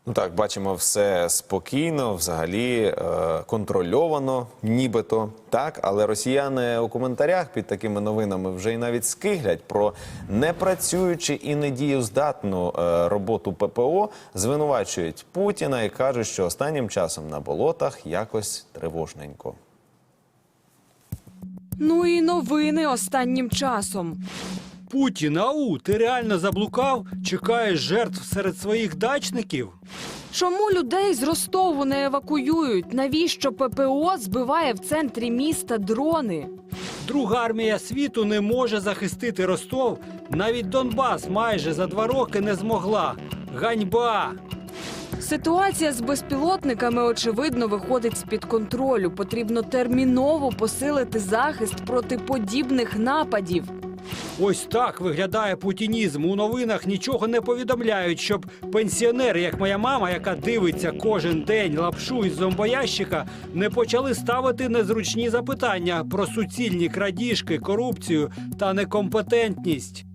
Ну так, бачимо, все спокійно, взагалі контрольовано, нібито, так. Але росіяни у коментарях під такими новинами вже й навіть скиглять про непрацюючу і недієздатну роботу ППО, звинувачують Путіна і кажуть, що останнім часом на болотах якось тривожненько. Ну і новини останнім часом. Путін, ау, ти реально заблукав? Чекаєш жертв серед своїх дачників? Чому людей з Ростову не евакуюють? Навіщо ППО збиває в центрі міста дрони? Друга армія світу не може захистити Ростов. Навіть Донбас майже за 2 роки не змогла. Ганьба! Ситуація з безпілотниками, очевидно, виходить з-під контролю. Потрібно терміново посилити захист проти подібних нападів. Ось так виглядає путінізм. У новинах нічого не повідомляють, щоб пенсіонери, як моя мама, яка дивиться кожен день лапшу із зомбоящика, не почали ставити незручні запитання про суцільні крадіжки, корупцію та некомпетентність.